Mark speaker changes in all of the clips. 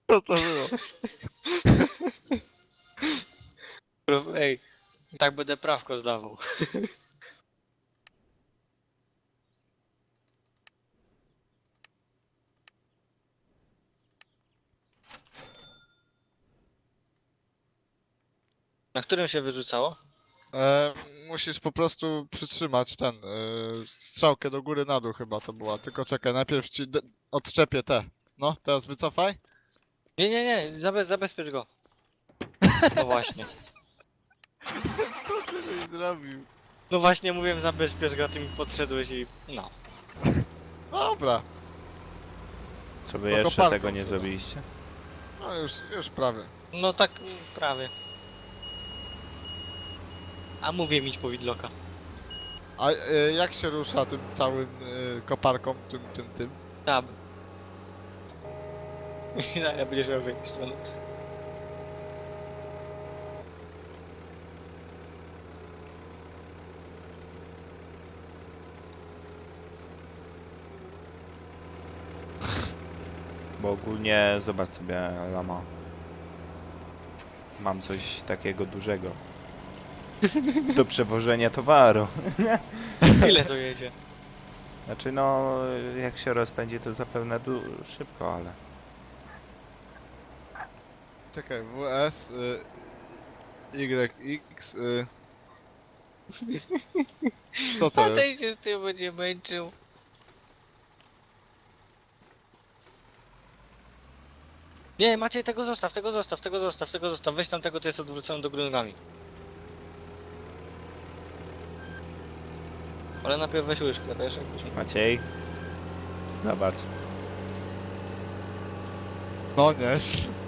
Speaker 1: Co to było?
Speaker 2: Ej, tak będę prawko zdawał. Na którym się wyrzucało?
Speaker 1: E, Musisz po prostu przytrzymać strzałkę do góry na dół chyba to była. Tylko czekaj, najpierw ci odczepię te. No, teraz wycofaj.
Speaker 2: Nie, nie, nie, zabezpiecz go. No właśnie.
Speaker 1: Co ty żeś zrobił?
Speaker 2: No właśnie mówiłem zabezpiecz go, ty mi podszedłeś i... No.
Speaker 1: Dobra,
Speaker 3: Co wy
Speaker 1: To
Speaker 3: jeszcze
Speaker 1: koparką
Speaker 3: tego nie
Speaker 1: trzeba.
Speaker 3: zrobiliście?
Speaker 1: no już prawie.
Speaker 2: No tak, prawie. A mówię mieć powidloka.
Speaker 1: A jak się rusza tym całym koparką, tym?
Speaker 2: Tab. Ja będziesz miał w jakiś stronę.
Speaker 3: Bo ogólnie zobacz sobie, Lama. Mam coś takiego dużego. Do przewożenia towaru.
Speaker 2: Ile to jedzie?
Speaker 3: Znaczy no, jak się rozpędzi to zapewne szybko, ale...
Speaker 1: Czekaj, WS, YX, Co to
Speaker 2: A
Speaker 1: jest?
Speaker 2: ten się z tym będzie męczył. Nie, Maciej, tego zostaw, tego zostaw, tego zostaw, tego zostaw. Weź tam tego, to jest odwrócony do góry nogami. Ale najpierw weź łyżkę, wiesz, jakbyś...
Speaker 3: Maciej? Zobacz.
Speaker 1: No nie.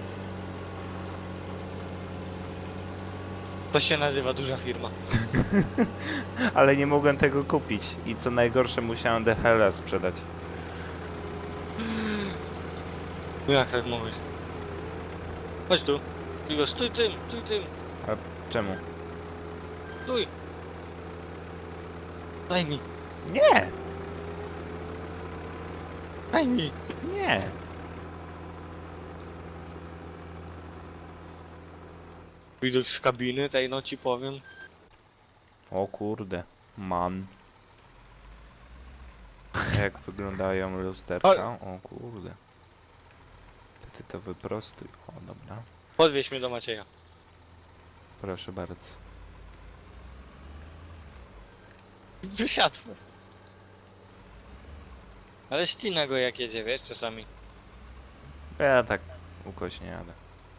Speaker 2: To się nazywa duża firma.
Speaker 3: Ale nie mogłem tego kupić. I co najgorsze, musiałem DHL sprzedać.
Speaker 2: No jak tak mówisz? Chodź tu. Tylko stój tym, stój tym.
Speaker 3: Czemu?
Speaker 2: Stój. Daj mi,
Speaker 3: Nie!
Speaker 2: daj mi.
Speaker 3: Nie!
Speaker 2: Widok z kabiny, tej no ci powiem.
Speaker 3: O kurde. Man. Jak wyglądają lusterka? O kurde. Ty to wyprostuj. O, dobra.
Speaker 2: Podwieź mnie do Macieja.
Speaker 3: Proszę bardzo.
Speaker 2: Wysiadł. Ale ścina go jak jedzie, wiesz, czasami.
Speaker 3: Ja tak ukośnie jadę.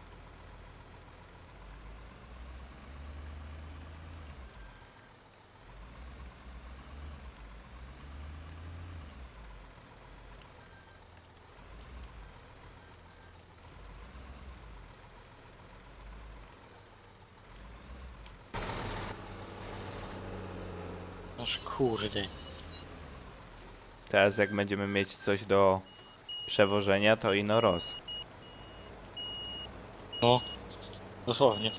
Speaker 2: Aż kurde.
Speaker 3: Teraz jak będziemy mieć coś do przewożenia, to ino roz.
Speaker 2: No. Dosłownie.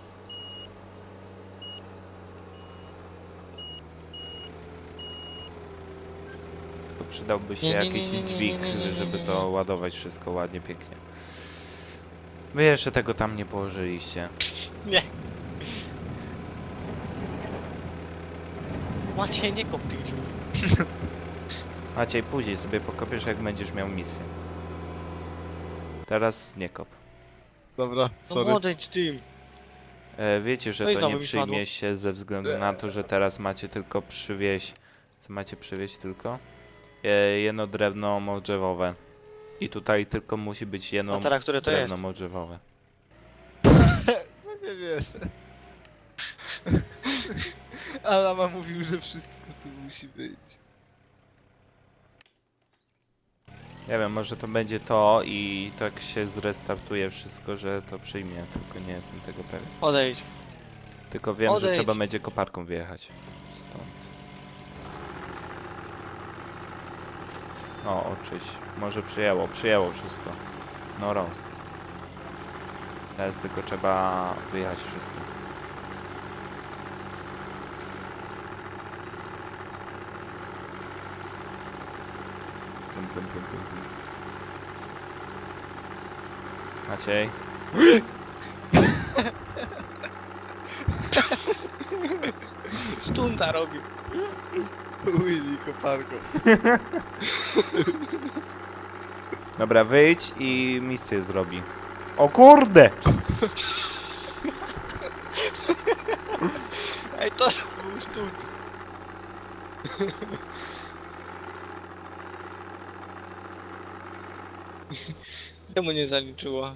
Speaker 3: Tylko przydałby się
Speaker 2: Nie, nie,
Speaker 3: jakiś
Speaker 2: nie, nie, nie,
Speaker 3: dźwig,
Speaker 2: nie, nie, nie,
Speaker 3: żeby
Speaker 2: nie,
Speaker 3: to
Speaker 2: nie.
Speaker 3: ładować wszystko ładnie, pięknie. Wy jeszcze tego tam nie położyliście.
Speaker 2: Nie. Maciej, nie kop tych dziur.
Speaker 3: Maciej, później sobie pokopiesz, jak będziesz miał misję. Teraz nie kop.
Speaker 1: Dobra,
Speaker 2: No
Speaker 1: sorry.
Speaker 2: odejdź tym.
Speaker 3: Wiecie, że
Speaker 2: No i
Speaker 3: to
Speaker 2: znowu
Speaker 3: nie
Speaker 2: mi spadło.
Speaker 3: przyjmie się ze względu na to, że teraz macie tylko przywieźć... Co macie przywieźć tylko? Jedno drewno modrzewowe. I tutaj tylko musi być jedno
Speaker 2: A teraz które to jest?
Speaker 3: drewno modrzewowe.
Speaker 1: No nie wiesz. Alama mówił, że wszystko tu musi być.
Speaker 3: Nie wiem, może to będzie to i tak się zrestartuje wszystko, że to przyjmie, tylko nie jestem tego pewien.
Speaker 2: Odejdź.
Speaker 3: Tylko wiem, że
Speaker 2: Odejdź.
Speaker 3: trzeba będzie koparką wyjechać. Stąd. O, oczyś. Może przyjęło wszystko. No roz. Teraz tylko trzeba wyjechać wszystko. Plum, plum, plum, plum, plum. Maciej.
Speaker 2: Stunta robi.
Speaker 1: Willy koparką.
Speaker 3: Dobra, wyjdź i misję zrobi. O kurde!
Speaker 2: Ej, to był stunt. Czemu nie zaliczyło?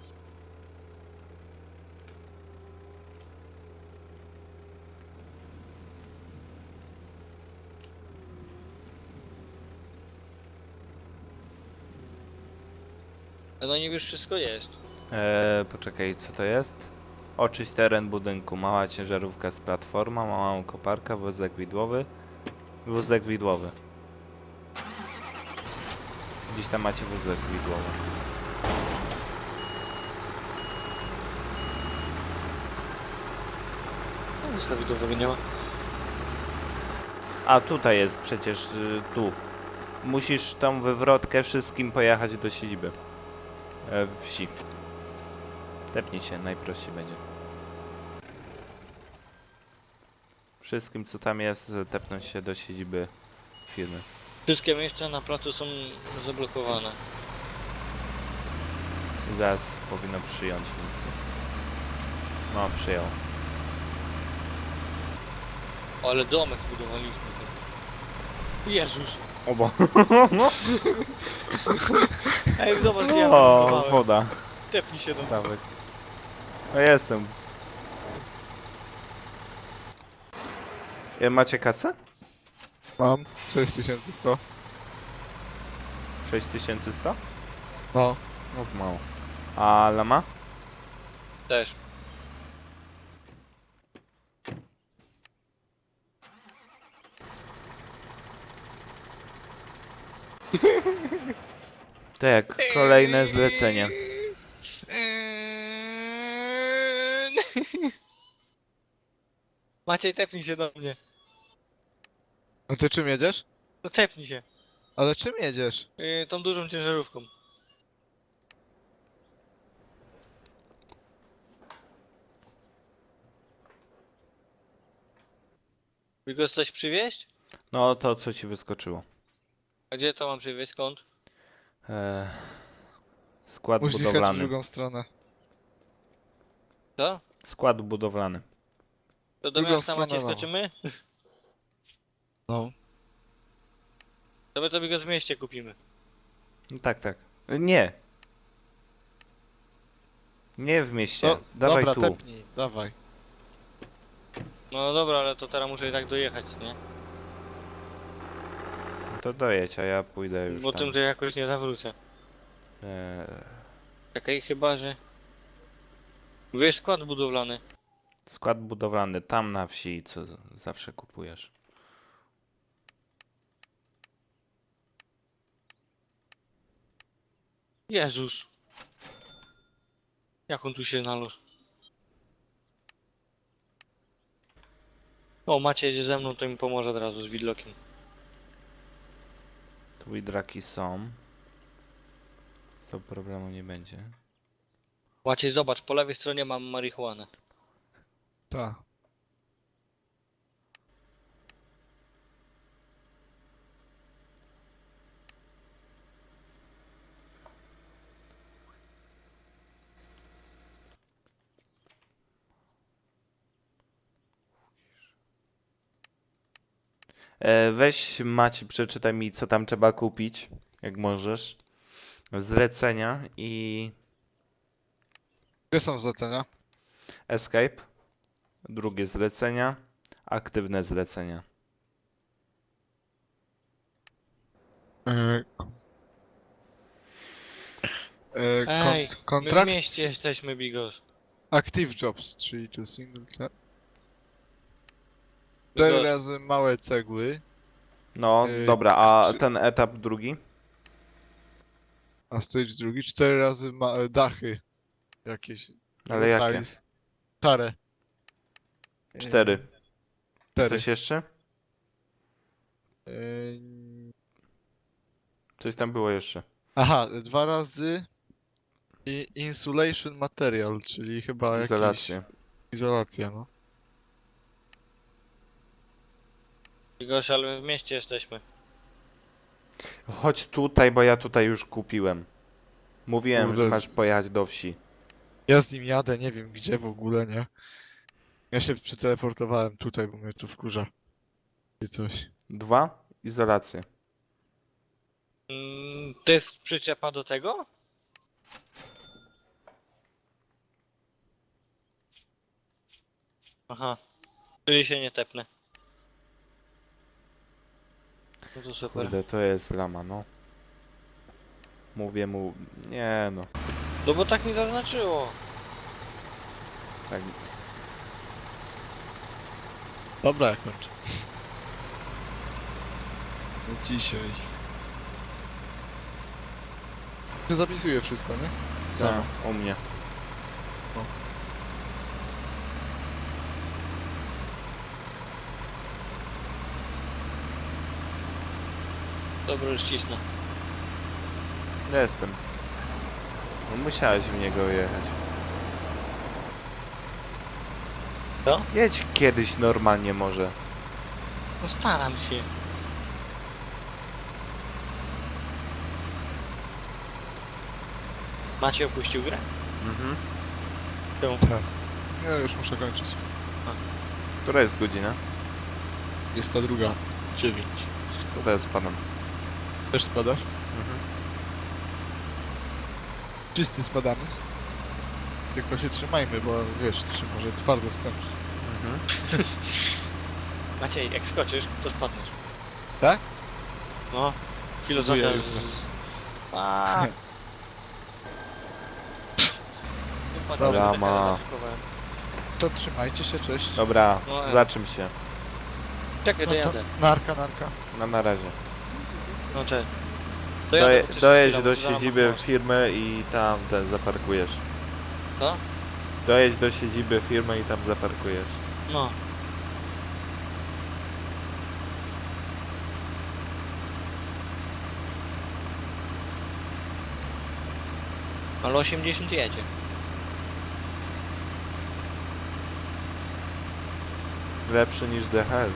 Speaker 2: No niby już wszystko jest.
Speaker 3: Poczekaj, co to jest? Oczyść teren budynku. Mała ciężarówka z platforma, mała koparka, wózek widłowy. Wózek widłowy. Gdzieś tam macie wózek widłowy.
Speaker 2: Wózka widowego nie ma.
Speaker 3: A tutaj jest przecież, tu. Musisz tą wywrotkę wszystkim pojechać do siedziby. Wsi. Tepnij się, najprościej będzie. Wszystkim co tam jest, tepnąć się do siedziby firmy.
Speaker 2: Wszystkie miejsca na placu są zablokowane.
Speaker 3: Zaraz powinno przyjąć misję. No, przyjął.
Speaker 2: O, ale domek budowaliśmy. Jezus.
Speaker 3: Obo.
Speaker 2: Ej, zobacz, ja
Speaker 3: O,
Speaker 2: budowałem.
Speaker 3: woda.
Speaker 2: Tepnij się do mnie.
Speaker 3: Stawek. No jestem. Macie kasę?
Speaker 1: Mam 6100.
Speaker 3: 6100?
Speaker 1: No.
Speaker 3: No mało. A lama?
Speaker 2: Też.
Speaker 3: Tak, kolejne zlecenie.
Speaker 2: Maciej, tepnij się do mnie.
Speaker 1: A ty czym jedziesz?
Speaker 2: No tepnij się.
Speaker 1: Ale czym jedziesz?
Speaker 2: Tą dużą ciężarówką. Bigos, coś przywieźć?
Speaker 3: No to co ci wyskoczyło?
Speaker 2: A gdzie to mam przywieźć? Skąd?
Speaker 3: Eee, skład
Speaker 1: Musisz jechać w
Speaker 3: budowlany.
Speaker 1: drugą stronę.
Speaker 2: Co?
Speaker 3: Skład budowlany.
Speaker 2: To do
Speaker 1: Drugą
Speaker 2: miasta Maciej
Speaker 1: stronę, no.
Speaker 2: skoczymy?
Speaker 1: No.
Speaker 2: To my to Bigos w mieście kupimy.
Speaker 3: No tak, tak. Nie. Nie w mieście.
Speaker 1: No,
Speaker 3: Dawaj
Speaker 1: dobra,
Speaker 3: tu.
Speaker 1: tepnij, dawaj.
Speaker 2: No dobra, ale to teraz muszę i tak dojechać, nie?
Speaker 3: To dojedź, a ja pójdę już
Speaker 2: Bo
Speaker 3: tam.
Speaker 2: tym to jakoś nie zawrócę. Czekaj, chyba że... Wiesz, skład budowlany.
Speaker 3: Skład budowlany tam na wsi, co zawsze kupujesz.
Speaker 2: Jezus. Jak on tu się znalazł? O, Macie jedzie ze mną, to mi pomoże od razu z widlokiem.
Speaker 3: Tu widraki są. To problemu nie będzie.
Speaker 2: Maciej, zobacz, po lewej stronie mam marihuanę.
Speaker 1: Tak.
Speaker 3: Weź Maci, przeczytaj mi co tam trzeba kupić, jak możesz. Zlecenia i
Speaker 1: Gdzie są zlecenia?
Speaker 3: escape. Drugie zlecenia. Aktywne zlecenia.
Speaker 1: Ej,
Speaker 2: Ej, my w
Speaker 1: kontrakt
Speaker 2: mieście jesteśmy, Bigos.
Speaker 1: Active Jobs, czyli to single class. 4
Speaker 2: Bigos.
Speaker 1: razy małe cegły,
Speaker 3: No,
Speaker 1: Yy,
Speaker 3: dobra, a
Speaker 1: czy-
Speaker 3: ten etap drugi?
Speaker 1: a stage drugi 4 razy dachy. Jakieś.
Speaker 3: Ale jakie?
Speaker 1: size. Szare.
Speaker 3: 4.
Speaker 1: 4.
Speaker 3: Coś jeszcze? Coś tam było jeszcze.
Speaker 1: Aha, 2 razy I insulation material, czyli chyba jakiś...
Speaker 3: Izolację.
Speaker 1: Izolacja, no.
Speaker 2: Goś, ale my w mieście jesteśmy.
Speaker 3: Chodź tutaj, bo ja tutaj już kupiłem. Mówiłem,
Speaker 1: Kurde.
Speaker 3: że masz pojechać do wsi.
Speaker 1: Ja z nim jadę, nie wiem gdzie w ogóle, nie? Ja się przeteleportowałem tutaj, bo mnie tu wkurza. I coś.
Speaker 3: 2. Izolację.
Speaker 2: To jest przyczepa do tego? Aha. Czyli się nie tepnę. No to super.
Speaker 3: Kurde, to jest lama, no. Mówię mu... Nie no.
Speaker 2: No bo tak mi zaznaczyło.
Speaker 3: Tak.
Speaker 1: Dobra, ja kończę. No dzisiaj. Zapisuję wszystko, nie? Samo.
Speaker 3: U mnie.
Speaker 2: Dobra, już cisnę.
Speaker 3: Jestem. No, musiałeś w niego jechać.
Speaker 2: Co?
Speaker 3: Jedź kiedyś normalnie może.
Speaker 2: No staram się. Macie opuścił grę?
Speaker 3: Mhm.
Speaker 2: Czemu?
Speaker 1: Tak. Ja już muszę kończyć.
Speaker 3: Która jest godzina?
Speaker 1: Jest ta druga. 9.
Speaker 3: To teraz spadam.
Speaker 1: Też spadasz?
Speaker 3: Mhm.
Speaker 1: Wszyscy spadamy. Tylko się trzymajmy, bo wiesz, się może twardo skończyć.
Speaker 3: Mhm.
Speaker 2: Maciej, jak skoczysz, to spadniesz.
Speaker 1: Tak?
Speaker 2: No. Filozofia
Speaker 1: Dziękuję
Speaker 2: z...
Speaker 1: jutro.
Speaker 2: A.
Speaker 3: Dobra, ma.
Speaker 1: To trzymajcie się, cześć.
Speaker 3: Dobra,
Speaker 2: No,
Speaker 3: za czym się?
Speaker 2: Czekaj,
Speaker 1: No to
Speaker 2: dojadę.
Speaker 1: narka, narka.
Speaker 3: No na razie.
Speaker 2: No cześć.
Speaker 3: Dojedź do siedziby firmy i tam zaparkujesz.
Speaker 2: Co?
Speaker 3: Dojedź do siedziby firmy i tam zaparkujesz.
Speaker 2: No. Ale 80 jedzie.
Speaker 3: Lepszy niż DHL.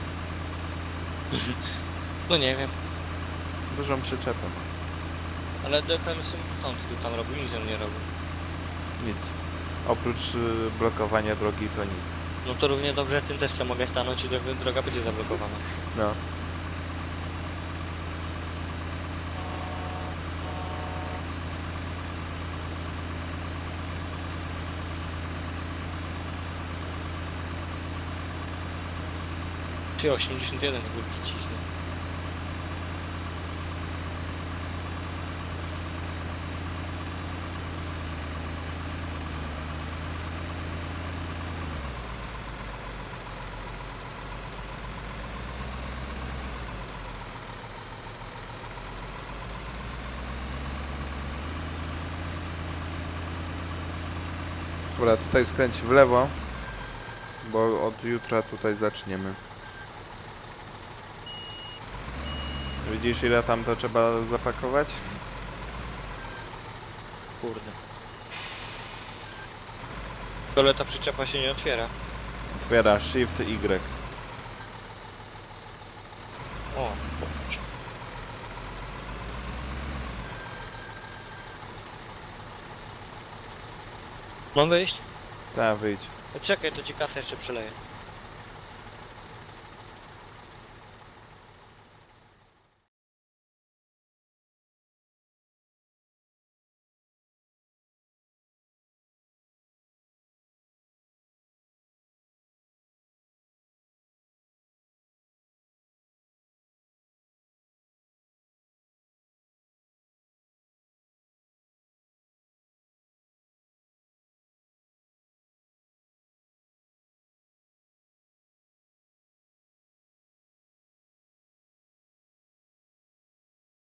Speaker 2: No nie wiem.
Speaker 3: Dużą przyczepę.
Speaker 2: Ale DHL symptomski tam robił, nic on nie robił.
Speaker 3: Nic. Oprócz blokowania drogi to nic.
Speaker 2: No to równie dobrze tym też sobie mogę stanąć i droga będzie zablokowana.
Speaker 3: No.
Speaker 2: Czy 81 w ogóle cisnę.
Speaker 3: Dobra, tutaj skręć w lewo. Bo od jutra tutaj zaczniemy. Widzisz ile tam to trzeba zapakować?
Speaker 2: Kurde. Ale ta przyczepa się nie otwiera.
Speaker 3: Otwiera Shift Y.
Speaker 2: O, popatrz. Mam wyjść?
Speaker 3: Ta, wyjdź.
Speaker 2: Czekaj, to ci kasę jeszcze przeleję.